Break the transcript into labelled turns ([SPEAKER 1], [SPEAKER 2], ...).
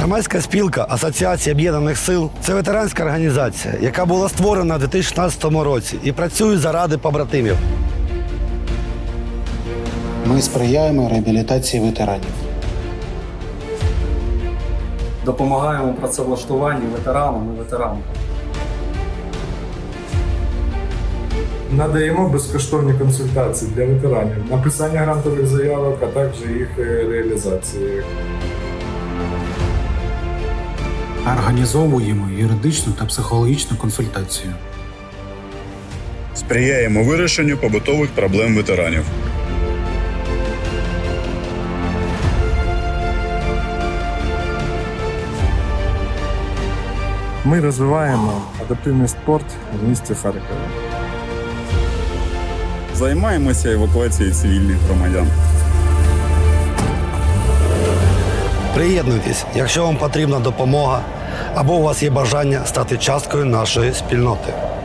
[SPEAKER 1] Громадська спілка Асоціація об'єднаних сил – це ветеранська організація, яка була створена у 2016 році і працює заради побратимів.
[SPEAKER 2] Ми сприяємо реабілітації ветеранів.
[SPEAKER 3] Допомагаємо працевлаштуванню ветеранам і ветеранам.
[SPEAKER 4] Надаємо безкоштовні консультації для ветеранів, написання грантових заявок, а також їх реалізації.
[SPEAKER 2] Організовуємо юридичну та психологічну консультацію.
[SPEAKER 5] Сприяємо вирішенню побутових проблем ветеранів.
[SPEAKER 4] Ми розвиваємо адаптивний спорт в місті Харкові.
[SPEAKER 5] Займаємося евакуацією цивільних громадян.
[SPEAKER 1] Приєднуйтесь, якщо вам потрібна допомога або у вас є бажання стати часткою нашої спільноти.